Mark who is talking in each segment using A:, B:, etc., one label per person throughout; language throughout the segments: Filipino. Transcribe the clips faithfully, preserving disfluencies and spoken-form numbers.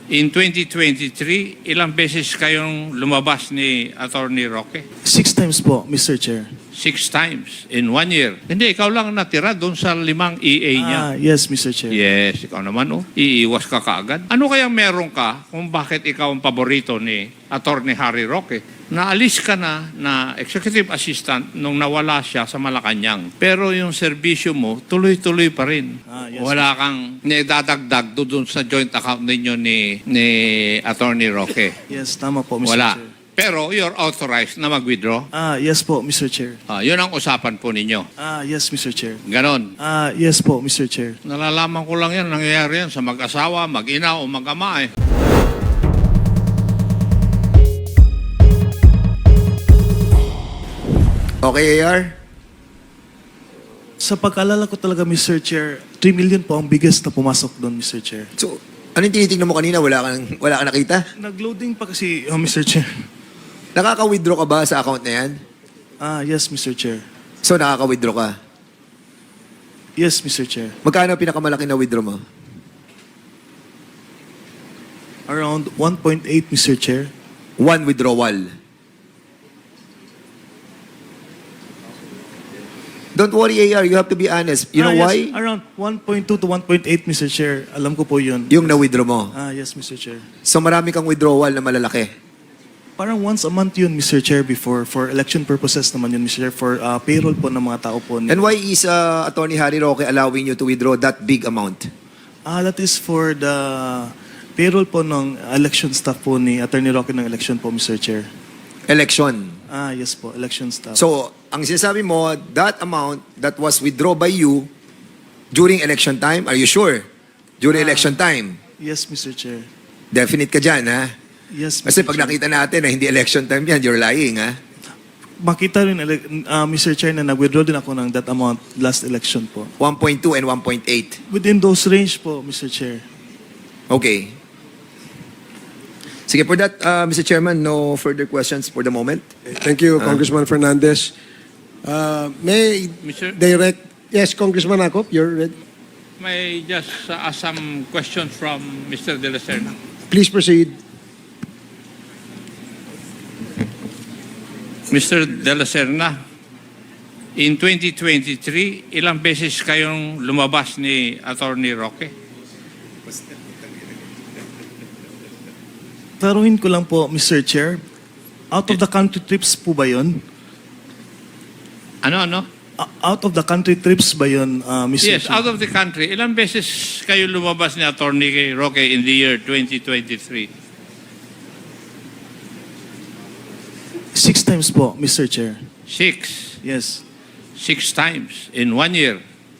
A: In twenty twenty-three, ilang beses kayong lumabas ni Attorney Roque?
B: Six times po, Mister Chair.
A: Six times in one year. Hindi, ikaw lang natira doon sa limang E A niya.
B: Ah, yes, Mister Chair.
A: Yes, ikaw naman, oh. Iiwas ka kaagad. Ano kayang meron ka kung bakit ikaw ang paborito ni Attorney Harry Roque? Naalis ka na na executive assistant nung nawala siya sa Malacanang. Pero yung serbisyo mo, tuloy-tuloy pa rin.
B: Ah, yes,
A: Wala kang nidadagdag doon sa joint account ninyo ni, ni Attorney Roque.
B: Yes, tama po, Mister
A: Wala.
B: Chair.
A: Pero you're authorized na mag-withdraw.
B: Ah, yes po, Mister Chair.
A: Ah, yun ang usapan po ninyo.
B: Ah, yes, Mister Chair.
A: Ganon.
B: Ah, yes po, Mister Chair.
A: Nalalaman ko lang yan, nangyayari yan sa mag-asawa, mag-ina o mag-ama eh.
C: Okay, A R?
B: Sa pag-alala ko talaga, Mister Chair, three million po ang biggest na pumasok doon, Mister Chair.
C: So, anong tinitingnan mo kanina? Wala kang, wala kang nakita?
B: Nag-loading pa kasi, oh, Mister Chair.
C: Nakaka-withdraw ka ba sa account na yan?
B: Ah, yes, Mister Chair.
C: So, nakaka-withdraw ka.
B: Yes, Mister Chair.
C: Magkano ang pinakamalaki na withdraw mo?
B: Around one point eight, Mister Chair.
C: One withdrawal. Don't worry, A R. You have to be honest. You
B: Ah,
C: know
B: yes,
C: why?
B: Around one point two to one point eight, Mister Chair. Alam ko po yun.
C: Yung na-withdraw mo.
B: Ah, yes, Mister Chair.
C: So, marami kang withdrawal na malalaki.
B: Parang once a month yun, Mister Chair, before. For election purposes naman yun, Mister Chair. For uh, payroll po ng mga tao po.
C: And why is uh, Attorney Harry Roque allowing you to withdraw that big amount?
B: Ah, that is for the payroll po ng election staff po ni Attorney Roque ng election po, Mister Chair.
C: Election.
B: Ah, yes po, election staff.
C: So, ang sinasabi mo, that amount that was withdrawn by you during election time, are you sure? During
B: Ah.
C: election time?
B: Yes, Mister Chair.
C: Definite ka dyan, ha?
B: Yes,
C: Kasi
B: Mister
C: pag
B: Chair.
C: nakita natin na hindi election time yan, you're lying, ha?
B: Makita rin, uh, Mister Chair, na nag-withdraw din ako ng that amount last election po.
C: one point two and one point eight.
B: Within those range po, Mister Chair.
C: Okay. Sige, for that, uh, Mister Chairman, no further questions for the moment.
D: Thank you, Congressman Fernandez. Uh, may
A: Mister
D: direct... Yes, Congressman Akop, you're ready.
A: May just uh, ask some questions from Mister De La Serna.
D: Please proceed.
A: Mister De La Serna, in twenty twenty-three, ilang beses kayong lumabas ni Attorney Roque?
B: Taruhin ko lang po, Mister Chair. Out of the country trips po ba yun?
A: Ano, ano?
B: Uh, out of the country trips ba yun, uh, Mister
A: Yes,
B: Chair?
A: out of the country. Ilang beses kayo lumabas ni Attorney Roque in the year twenty twenty-three?
B: Six times po, Mister Chair.
A: Six.
B: Yes.
A: Six times in one year.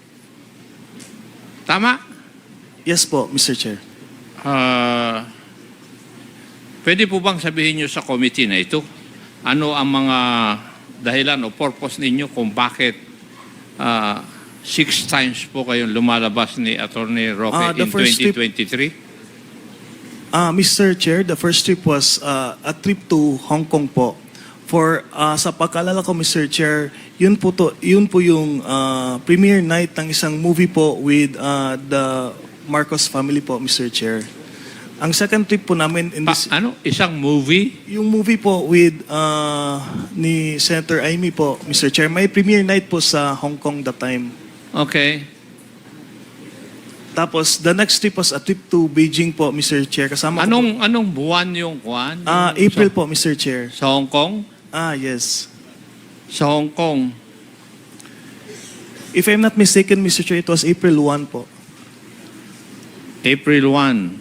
A: Tama?
B: Yes po, Mister Chair.
A: Uh, pwede po bang sabihin nyo sa committee na ito, ano ang mga dahilan o purpose ninyo kung bakit uh, six times po kayong lumalabas ni Attorney Roque
B: Ah, the
A: in
B: first
A: twenty
B: trip-
A: twenty-three?
B: Ah, Mister Chair, the first trip was uh, a trip to Hong Kong po. For uh, sa pagkalala ko, Mister Chair, yun po to, yun po yung uh, premiere night ng isang movie po with uh, the Marcos family po, Mister Chair. Ang second trip po namin in
A: Pa,
B: this,
A: ano? Isang movie?
B: yung movie po with uh, ni Senator Amy po, Mister Chair, may premiere night po sa Hong Kong that time.
A: Okay.
B: Tapos the next trip was a trip to Beijing po, Mister Chair. Kasama ko po,
A: Anong anong buwan yung kuwan?
B: ah,
A: Yung
B: April
A: sa,
B: po, Mister Chair.
A: Sa Hong Kong?
B: Ah, yes.
A: Sa Hong Kong.
B: If I'm not mistaken, Mister Chair, it was April first po.
A: April first.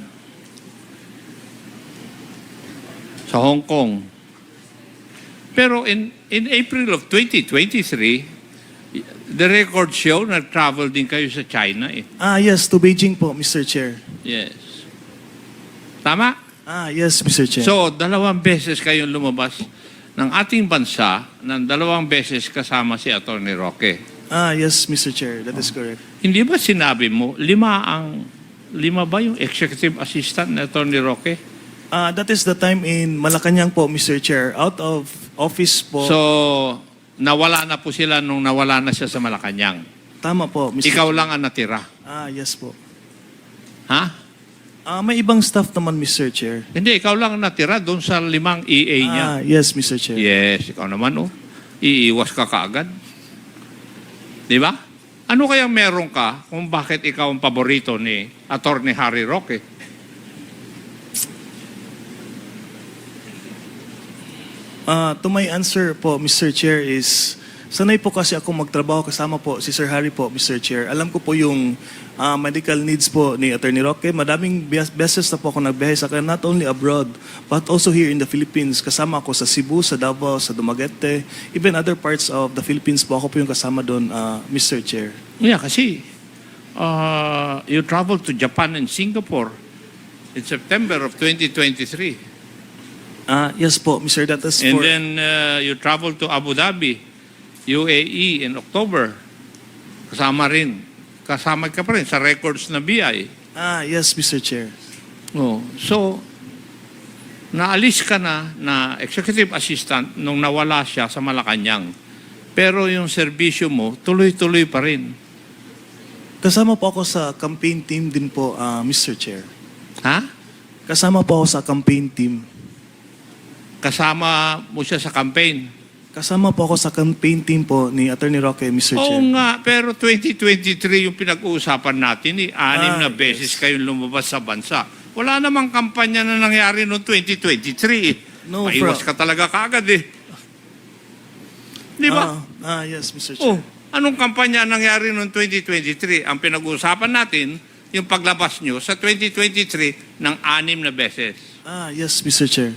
A: Sa Hong Kong. Pero in in April of twenty twenty-three, the record show nag-travel din kayo sa China eh.
B: Ah, yes, to Beijing po, Mister Chair.
A: Yes. Tama?
B: Ah, yes, Mister Chair.
A: So, dalawang beses kayong lumabas ng ating bansa ng dalawang beses kasama si Attorney Roque.
B: ah, yes, Mister Chair, that is correct.
A: Hindi ba sinabi mo, lima ang, lima ba yung executive assistant ni Attorney Roque?
B: Ah, that is the time in Malacanang po, Mister Chair. Out of office po.
A: So, nawala na po sila nung nawala na siya sa Malacanang.
B: Tama po, Mister
A: Ikaw
B: Chair.
A: lang ang natira.
B: Ah, yes po.
A: Ha?
B: Ah, may ibang staff naman, Mister Chair.
A: Hindi, ikaw lang natira doon sa limang E A niya.
B: Ah, yes, Mister Chair.
A: Yes, ikaw naman, oh. Iiwas ka kaagad. Di ba? Ano kayang meron ka kung bakit ikaw ang paborito ni Attorney Harry Roque?
B: Ah, to my answer po, Mister Chair, is sanay po kasi ako magtrabaho kasama po si Sir Harry po, Mister Chair. Alam ko po yung ah, medical needs po ni Attorney Roque. Madaming bes- beses na po ako nagbiyahe sa kanya, not only abroad, but also here in the Philippines. Kasama ako sa Cebu, sa Davao, sa Dumaguete, even other parts of the Philippines po. Ako po yung kasama doon, ah, Mister Chair.
A: Yeah, kasi uh, you traveled to Japan and Singapore in September of twenty twenty-three.
B: Ah, yes po, Mister That is
A: And
B: for...
A: then uh, you traveled to Abu Dhabi, U A E in October. Kasama rin. Kasama ka pa rin sa records na B I.
B: Ah, yes, Mister Chair.
A: Oh, so, naalis ka na na executive assistant nung nawala siya sa Malacanang. Pero yung serbisyo mo, tuloy-tuloy pa rin.
B: Kasama po ako sa campaign team din po, ah, Mister Chair.
A: Ha?
B: Kasama po ako sa campaign team.
A: Kasama mo siya sa campaign.
B: Kasama po ako sa campaign team po ni Attorney Roque, Mister
A: Oo
B: Chair.
A: nga, pero twenty twenty-three yung pinag-uusapan natin. Eh. Anim
B: Ah,
A: na beses
B: yes.
A: kayong lumabas sa bansa. Wala namang kampanya na nangyari noong twenty twenty-three. Eh.
B: No,
A: Maiwas
B: bro.
A: ka talaga kaagad eh. Di ba?
B: Ah, ah, yes, Mister
A: Oh,
B: Chair.
A: anong kampanya ang nangyari noong twenty twenty-three? Ang pinag-uusapan natin, yung paglabas nyo sa twenty twenty-three ng anim na beses.
B: Ah, yes, Mister Chair.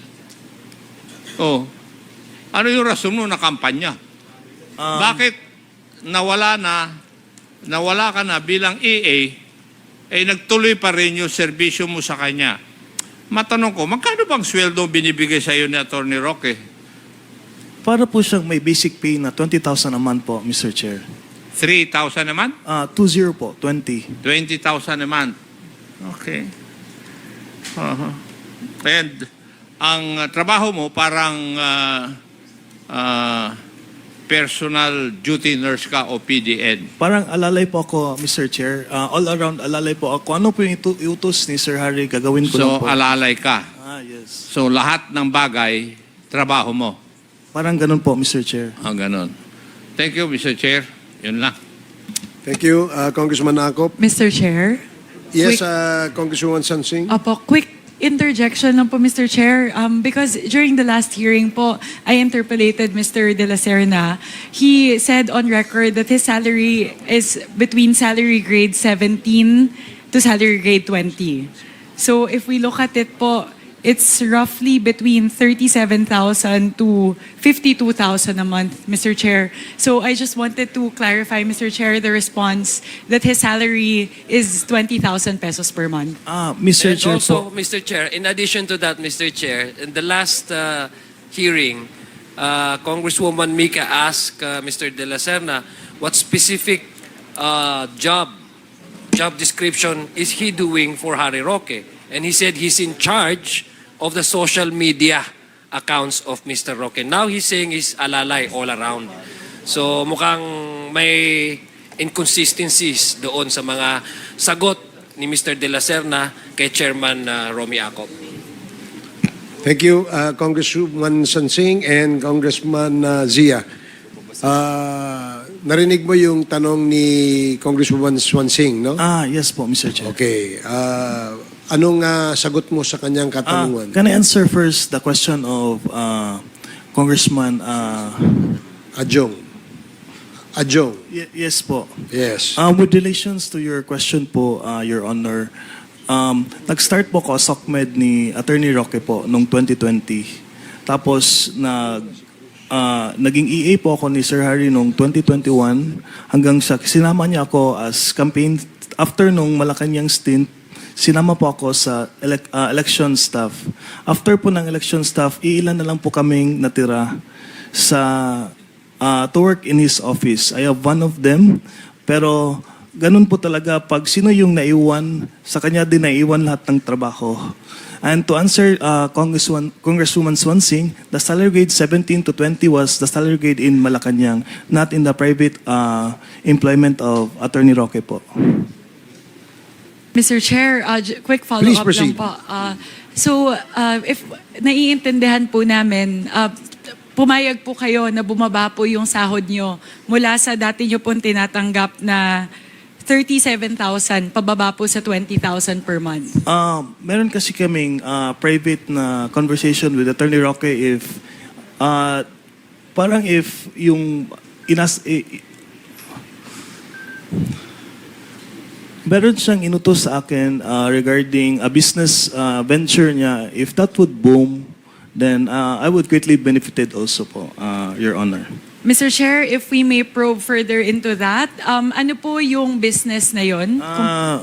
A: Oh, ano yung rason mo na kampanya?
B: Um,
A: Bakit nawala na, nawala ka na bilang E A, eh nagtuloy pa rin yung serbisyo mo sa kanya? Matanong ko, magkano bang sweldo binibigay sa iyo ni Attorney Roque?
B: Para po siyang may basic pay na twenty thousand a month po, Mister Chair.
A: three thousand a month?
B: Ah, two zero po, twenty.
A: twenty thousand a month. Okay. Uh-huh. And ang uh, trabaho mo parang uh, uh, personal duty nurse ka o P D N.
B: Parang alalay po ako, Mister Chair. Ah, all around alalay po ako. Ano po yung itu- iutos ni Sir Harry, gagawin ko lang
A: So,
B: po.
A: alalay ka.
B: Ah, yes.
A: So, lahat ng bagay, trabaho mo.
B: Parang ganun po, Mister Chair.
A: Ang ganon. Thank you, Mister Chair. Yun lang.
D: Thank you, uh, Congressman Akop.
E: Mister Chair?
D: Yes,
E: Quick-
D: uh, Congresswoman Sansing.
E: Opo, quick interjection lang po, Mister Chair. Um, because during the last hearing po, I interpolated Mister De La Serna. He said on record that his salary is between salary grade seventeen to salary grade twenty. So if we look at it po, it's roughly between thirty-seven thousand to fifty-two thousand a month, Mister Chair. So I just wanted to clarify, Mister Chair, the response that his salary is twenty thousand pesos per month.
B: Ah, Mister
F: And
B: Chair
F: also,
B: po.
F: Mister Chair, in addition to that, Mister Chair, in the last uh, hearing, uh, Congresswoman Mika asked uh, Mister De La Serna what specific uh, job, job description is he doing for Harry Roque? And he said he's in charge of the social media accounts of Mister Roque. Now he's saying he's alalay all around. So mukhang may inconsistencies doon sa mga sagot ni Mister De La Serna kay Chairman uh, Romy Acop.
D: Thank you, uh, Congresswoman Sansing and Congressman uh, Zia. Uh, narinig mo yung tanong ni Congresswoman Swansing, no?
B: Ah, yes po, Mister Chair.
D: Okay. Uh, anong uh, sagot mo sa kanyang
B: Ah,
D: katanungan?
B: can I answer first the question of uh, Congressman? Uh,
D: Adjong. Adjong.
B: y- yes po.
D: Yes.
B: Um, with relations to your question po, uh, Your Honor, um, nag-start po ko SOCMED ni Attorney Roque po noong twenty twenty. Tapos nag uh, naging E A po ako ni Sir Harry noong twenty twenty-one hanggang sa sinama niya ako as campaign after nung Malacanang stint. Sinama po ako sa elec- uh, election staff. After po ng election staff, iilan na lang po kaming natira sa uh, to work in his office. I have one of them, pero ganun po talaga pag sino yung naiwan, sa kanya din naiwan lahat ng trabaho. And to answer uh, Congresswoman, Congresswoman Swansing, the salary grade seventeen to twenty was the salary grade in Malacanang, not in the private uh, employment of Attorney Roque po.
E: Mister Chair, uh, j- quick
D: Please
E: follow-up lang
D: proceed.
E: po. Uh, so, uh, if naiintindihan po namin, uh, pumayag po kayo na bumaba po yung sahod nyo mula sa dati nyo pong tinatanggap na thirty-seven thousand, pababa po sa twenty thousand per month.
B: Ah, meron kasi kaming ah, private na conversation with Attorney Roque if ah, parang if yung inas i- i- meron siyang inutos sa akin ah, regarding a business ah, venture niya, if that would boom, then ah, I would greatly benefited also po, ah, Your Honor.
E: Mister Chair, if we may probe further into that, um, ano po yung business na yon?
B: Ah,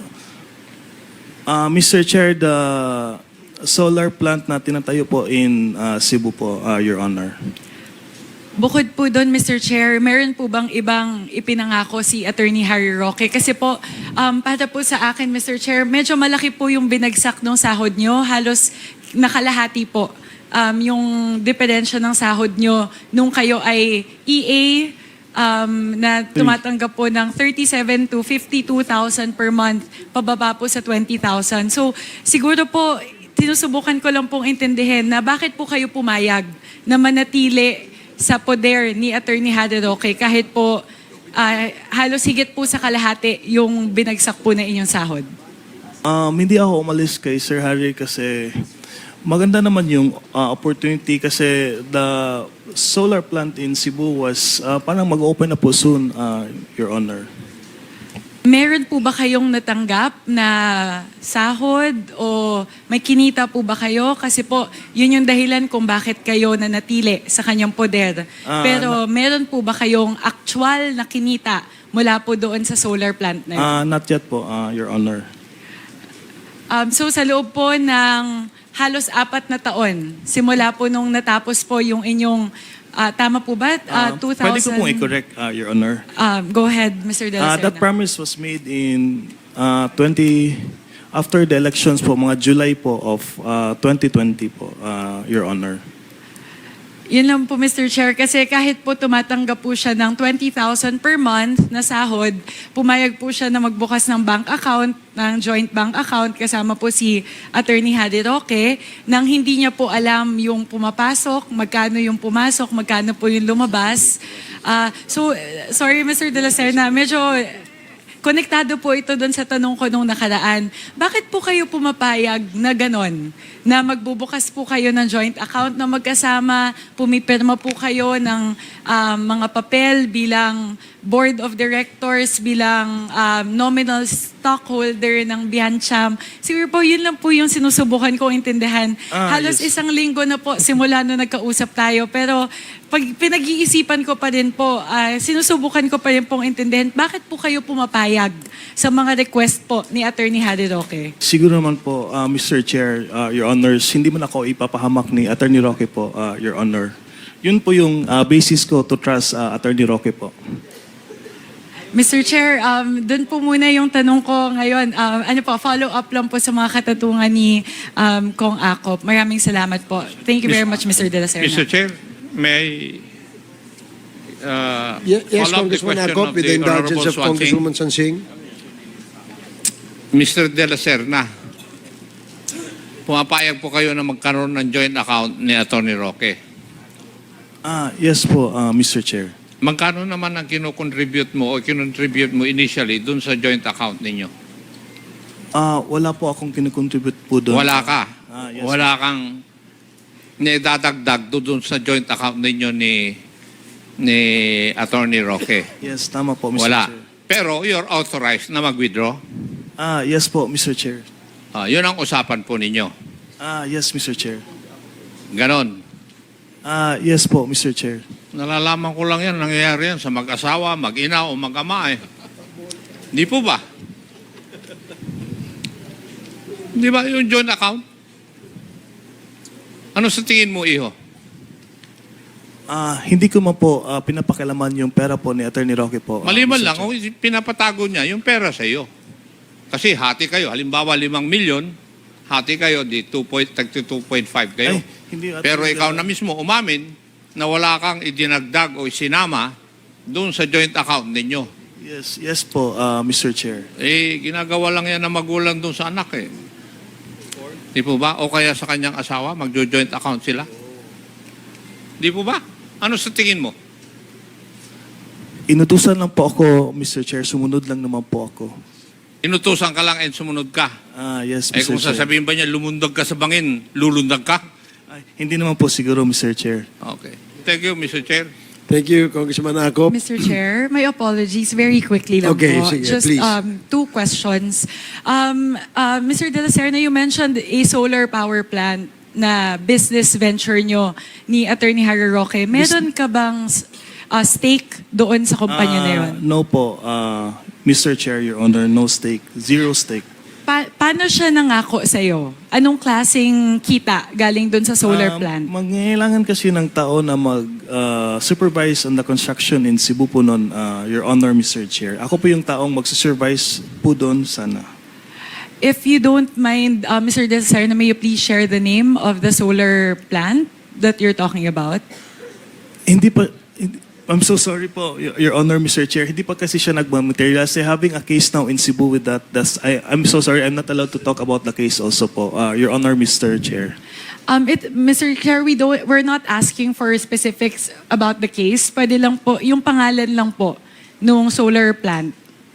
B: ah, Mister Chair, the solar plant na tinatayo po in ah, Cebu po, ah, Your Honor.
E: Bukod po doon, Mister Chair, meron po bang ibang ipinangako si Attorney Harry Roque? Kasi po, um, para po sa akin, Mister Chair, medyo malaki po yung binagsak ng sahod nyo. Halos nakalahati po um, yung diferensya ng sahod nyo nung kayo ay E A um, na tumatanggap po ng thirty-seven to fifty-two thousand per month, pababa po sa twenty thousand. So siguro po, tinusubukan ko lang pong intindihin na bakit po kayo pumayag na manatili sa poder ni Attorney Harry Roque kahit po ah, halos higit po sa kalahati yung binagsak po na inyong sahod.
B: Um, hindi ako umalis kay Sir Harry kasi maganda naman yung ah, opportunity kasi the solar plant in Cebu was ah, parang mag-open na po soon, ah, Your Honor.
E: Meron po ba kayong natanggap na sahod o may kinita po ba kayo? Kasi po, yun yung dahilan kung bakit kayo nanatili sa kanyang poder.
B: Ah,
E: Pero meron po ba kayong actual na kinita mula po doon sa solar plant na yun?
B: Ah, not yet po, ah, Your Honor.
E: Um, so sa loob po ng halos apat na taon, simula po nung natapos po yung inyong, ah, tama po ba?
B: Ah,
E: Ah, two thousand...
B: Pwede ko pong i-correct, ah, Your Honor.
E: Um, go ahead, Mister De La
B: Ah, that
E: Serna.
B: promise was made in ah, twenty after the elections po, mga July po of ah, twenty twenty po, ah, Your Honor.
E: Yun lang po, Mister Chair, kasi kahit po tumatanggap po siya ng twenty thousand per month na sahod, pumayag po siya na magbukas ng bank account, ng joint bank account, kasama po si Attorney Harry Roque, nang hindi niya po alam yung pumapasok, magkano yung pumasok, magkano po yung lumabas. Ah, so, eh, sorry, Mister De La Serna, medyo konektado po ito doon sa tanong ko nung nakaraan. Bakit po kayo pumapayag na ganon? Na magbubukas po kayo ng joint account na magkasama, pumipirma po kayo ng um, mga papel bilang board of directors, bilang um, nominal stockholder ng Biancham. Siguro po, yun lang po yung sinusubukan kong intindihan.
B: Ah,
E: Halos
B: yes.
E: isang linggo na po simula nung nagkausap tayo. Pero pag pinag-iisipan ko pa rin po, ah, sinusubukan ko pa rin pong intindihan, bakit po kayo pumapayag sa mga request po ni Attorney Harry Roque?
B: Siguro naman po, ah, Mister Chair, ah, Your Honors, hindi man ako ipapahamak ni Attorney Roque po, ah, Your Honor. Yun po yung ah, basis ko to trust ah, Attorney Roque po.
E: Mister Chair, um, doon po muna yung tanong ko ngayon. Um, ano po, follow-up lang po sa mga katatungan ni um, Kong Akop. Maraming salamat po. Thank you very much, Mister De La Serna.
A: Mister Chair, may I uh,
D: Ye- Yes,
A: follow up the
D: Congressman
A: question
D: Akop,
A: of
D: with the
A: the
D: indulgence
A: Honorable
D: of
A: Swansing?
D: Congresswoman Sansing.
A: Mister De La Serna, pumapayag po kayo na magkaroon ng joint account ni Attorney Roque.
B: Ah, yes po, ah, Mister Chair.
A: Magkano naman ang kinocontribute mo o kinontribute mo initially dun sa joint account ninyo?
B: Ah, wala po akong kinukontribute po doon.
A: Wala ka.
B: Ah, yes.
A: Wala kang nidadagdag doon sa joint account ninyo ni ni Attorney Roque.
B: Yes, tama po, Mister
A: Wala.
B: Chair.
A: Pero you're authorized na mag-withdraw.
B: Ah, yes po, Mister Chair.
A: Ah, yun ang usapan po ninyo.
B: Ah, yes, Mister Chair.
A: Ganon.
B: Ah, yes po, Mister Chair.
A: Nalalaman ko lang yan, nangyayari yan sa mag-asawa, mag-ina o mag-ama eh. Di po ba? Di ba yung joint account? Ano sa tingin mo, iho?
B: Ah, hindi ko man po ah, pinapakilaman yung pera po ni Attorney Roque po. ah,
A: Maliban
B: Mister
A: lang,
B: Chair.
A: kung pinapatago niya yung pera sa iyo. Kasi hati kayo, halimbawa limang milyon, hati kayo, di two point five kayo.
B: Ay, hindi, Attorney
A: Pero ikaw
B: Roque.
A: na mismo umamin na wala kang idinagdag o isinama doon sa joint account ninyo.
B: Yes, yes po, uh, Mister Chair.
A: Eh, ginagawa lang yan ng magulang dun sa anak eh. Di po ba? O kaya sa kanyang asawa, magjo-joint account sila. Di po ba? Ano sa tingin mo?
B: Inutusan lang po ako, Mister Chair. Sumunod lang naman po ako.
A: Inutusan ka lang and sumunod ka.
B: Ah, yes,
A: Eh
B: Mister
A: kung
B: Chair.
A: sasabihin ba niya, lumundag ka sa bangin, lulundag ka?
B: Ay, hindi naman po siguro, Mister Chair.
A: Okay. Thank you, Mister Chair.
D: Thank you, Congressman Akop.
E: Mister Chair, my apologies. Very quickly lang
D: Okay,
E: po.
D: sige,
E: Just
D: please.
E: um, two questions. Um, uh, Mister De La Serna, you mentioned a solar power plant na business venture nyo ni Attorney Harry Roque. Meron ka bang uh, stake doon sa kumpanya na
B: Ah,
E: yun?
B: No po, uh, Mister Chair, Your Honor, no stake. Zero stake.
E: Pa- paano siya nangako sa'yo? Anong klaseng kita galing doon sa solar
B: Um,
E: plant?
B: Mangailangan kasi ng tao na mag-supervise on the construction in Cebu po noon, uh, Your Honor, Mister Chair. Ako po yung taong mag-supervise po doon sana.
E: If you don't mind, uh, Mister De La Serna, may you please share the name of the solar plant that you're talking about?
B: Hindi pa, hindi, I'm so sorry po, Your, Your Honor, Mister Chair. Hindi pa kasi siya nagmamaterialize. Having a case now in Cebu with that, that's, I, I'm so sorry, I'm not allowed to talk about the case also po, uh, Your Honor, Mister Chair.
E: Um, it, Mister Chair, we don't, we're not asking for specifics about the case. Pwede lang po, yung pangalan lang po nung solar plant.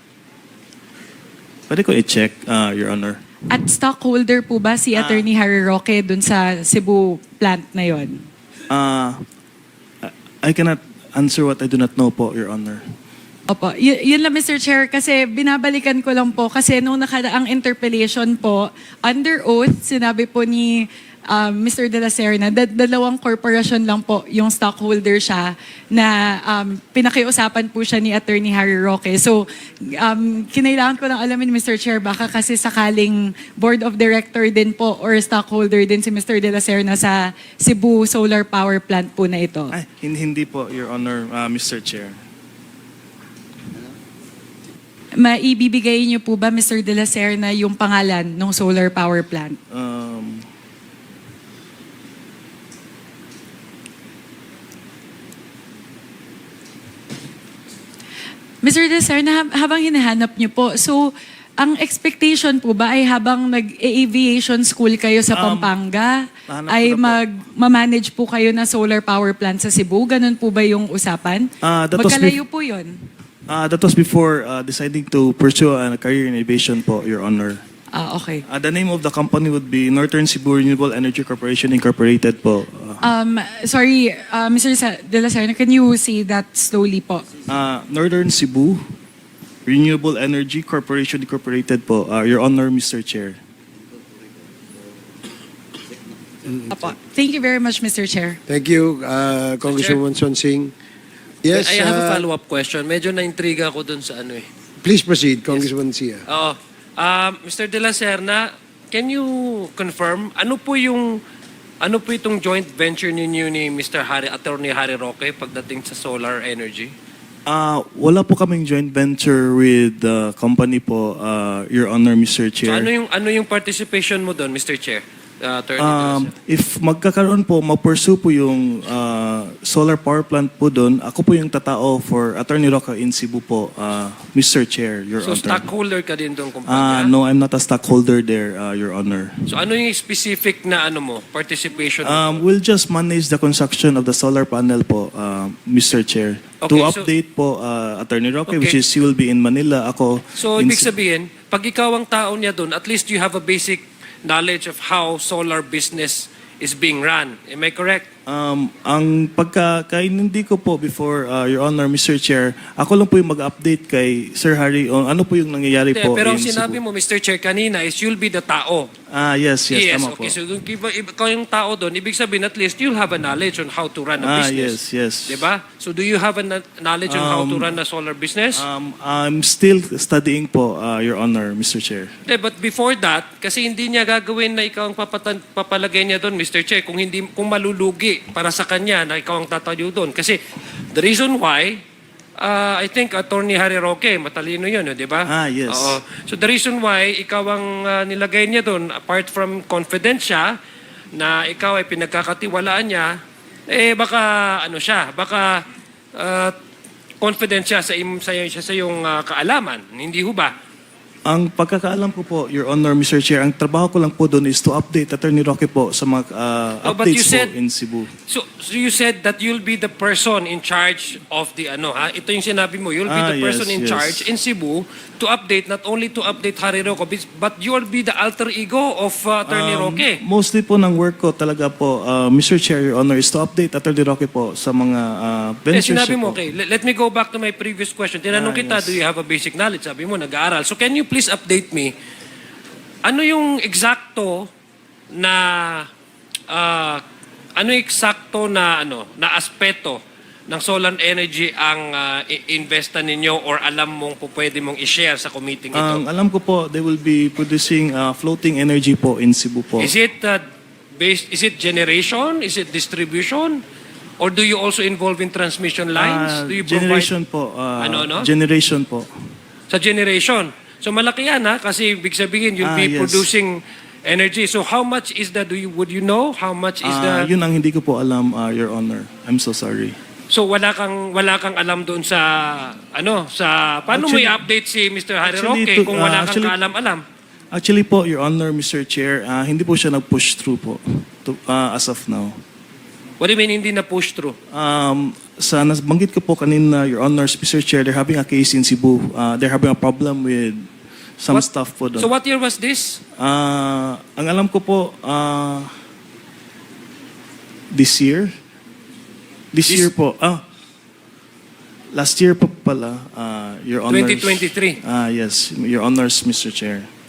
B: Pwede ko i-check, uh, Your Honor.
E: At stockholder po ba si Attorney Harry Roque dun sa Cebu plant na yon?
B: Uh, I I cannot answer what I do not know po, Your Honor.
E: Opo. Y- yun lang, Mister Chair, kasi binabalikan ko lang po kasi nung nakaraang interpellation po, under oath, sinabi po ni um, Mister De La Serna, da- dalawang corporation lang po yung stockholder siya na um, pinakiusapan po siya ni Attorney Harry Roque. So, um, kinailangan ko lang alamin, Mister Chair, baka kasi sakaling board of director din po or stockholder din si Mister De La Serna sa Cebu Solar Power Plant po na ito.
B: Ay, hin- hindi po, Your Honor, uh, Mister Chair.
E: Maibibigay niyo po ba, Mister De La Serna, yung pangalan ng solar power plant?
B: Um,
E: Mister De La Serna, hab- habang hinahanap niyo po, so ang expectation po ba ay habang nag-aviation school kayo sa
B: Um,
E: Pampanga,
B: nahanap ko
E: ay
B: na po.
E: mag-manage po kayo na solar power plant sa Cebu? Ganun po ba yung usapan?
B: Ah, that was
E: Magkalayo po yun.
B: uh, that was before uh, deciding to pursue a career in aviation po, Your Honor.
E: Ah, okay.
B: Uh, the name of the company would be Northern Cebu Renewable Energy Corporation Incorporated po. Uh,
E: Um, sorry, uh, Mister Sa- De La Serna, can you say that slowly po?
B: uh, Northern Cebu Renewable Energy Corporation Incorporated po, uh, Your Honor, Mister Chair.
E: Apo. Thank you very much, Mister Chair.
D: Thank you, uh, Congresswoman Sonsing. Yes,
F: I have a
D: uh,
F: follow-up question. Medyo na-intriga ako dun sa ano eh.
D: please proceed, Congresswoman Sia.
F: Oo. Um, Mister De La Serna, can you confirm ano po yung ano po itong joint venture ninyo ni Mister Harry, Attorney Harry Roque pagdating sa solar energy?
B: Uh, wala po kaming joint venture with the company po, uh, Your Honor, Mister
F: So
B: Chair.
F: ano yung ano yung participation mo doon, Mister Chair? Uh, Attorney De La
B: Um,
F: Serna.
B: if magkakaroon po, ma-pursue po yung uh, solar power plant po doon, ako po yung tatao for Attorney Roque in Cebu po, uh, Mister Chair, Your
F: So
B: Honor.
F: stockholder ka din doon
B: Uh,
F: kumpanya?
B: no, I'm not a stockholder there, uh, Your Honor.
F: So ano yung specific na ano mo, participation mo?
B: Um, we'll just manage the construction of the solar panel po, uh, Mister Chair.
F: Okay,
B: to
F: so-
B: update po uh, Attorney Roque,
F: Okay.
B: which is he will be in Manila. Ako
F: So
B: in
F: ibig
B: Ce-
F: sabihin, pag ikaw ang tao niya doon, at least you have a basic knowledge of how solar business is being run. Am I correct?
B: Um, ang pagkakainindi ko po before, uh, Your Honor, Mister Chair, ako lang po yung mag-update kay Sir Harry on ano po yung nangyayari
F: Hindi,
B: po
F: pero ang
B: in
F: sinabi
B: Cebu.
F: mo, Mister Chair, kanina is you'll be the tao.
B: Ah, yes, yes, tama po.
F: okay. So kung iba- iba- ikaw yung tao doon, ibig sabihin at least you'll have a knowledge on how to run a
B: Ah,
F: business.
B: yes, yes.
F: Diba? So do you have a na- knowledge on how to
B: Um,
F: run a solar business?
B: Um, I'm still studying po, uh, Your Honor, Mister Chair.
F: Hindi, but before that, kasi hindi niya gagawin na ikaw ang papatan, papalagay niya doon, Mister Chair, kung hindi kung malulugi para sa kanya na ikaw ang tatayo doon. Kasi the reason why, uh, I think Attorney Harry Roque, matalino yun, eh, di ba?
B: Ah, yes.
F: Oo. So the reason why ikaw ang uh, nilagay niya doon, apart from confidence siya, na ikaw ay pinagkakatiwalaan niya, eh baka ano siya, baka uh, confident siya sa, im, sa, sa, sa iyong ah, kaalaman. Hindi ho ba?
B: Ang pagkakaalam ko po, Your Honor, Mister Chair, ang trabaho ko lang po doon is to update Attorney Roque po sa mga uh,
F: Oh, but you
B: updates
F: said-
B: po in Cebu.
F: So, so you said that you'll be the person in charge of the ano ha? Ito yung sinabi mo, you'll be
B: Ah,
F: the person
B: yes,
F: in
B: yes.
F: charge in Cebu to update, not only to update Harry Roque, but you'll be the alter ego of uh, Attorney
B: Um,
F: Roque.
B: Mostly po ng work ko talaga po, uh, Mister Chair, Your Honor, is to update Attorney Roque po sa mga uh,
F: Eh,
B: ventures
F: sinabi
B: niya
F: mo,
B: po.
F: okay, let, let me go back to my previous question. Tinanong
B: Ah,
F: kita,
B: yes.
F: do you have a basic knowledge? Sabi mo, nag-aaral. So can you please update me, ano yung eksakto na, ah, ano yung eksakto na, ano, na aspeto ng solar energy ang ah, i- investa ninyo or alam mong po pwede mong i-share sa committee ito?
B: Ang alam ko po, they will be producing uh, floating energy po in Cebu po.
F: Is it uh, based, is it generation? Is it distribution? Or do you also involve in transmission lines?
B: Ah,
F: do you
B: generation po. uh,
F: Ano, ano?
B: Generation po.
F: Sa generation. So malaki yan ha, kasi ibig sabihin you'll
B: Ah,
F: be
B: yes.
F: producing energy. So how much is that? Do you, would you know how much is
B: Ah,
F: the...
B: yun ang hindi ko po alam, uh, Your Honor. I'm so sorry.
F: So wala kang wala kang alam doon sa ano sa paano mo
B: Actually-
F: i-update si Mister Harry
B: actually,
F: Roque
B: to-
F: kung
B: ah,
F: wala kang
B: actually-
F: kaalam-alam?
B: Actually po, Your Honor, Mister Chair, ah, hindi po siya nag-push through po to, ah, as of now.
F: What do you mean hindi na push through?
B: Um, sa nabanggit ko po kanina, Your Honor, Mister Chair, they're having a case in Cebu. Uh, they're having a problem with some
F: What-
B: stuff po doon.
F: So what year was this?
B: Ah, ang alam ko po, ah, this year? This,
F: This-
B: year po. Ah, last year po pala, ah, Your Honor.
F: twenty twenty-three.
B: Ah, yes, Your Honors, Mister Chair.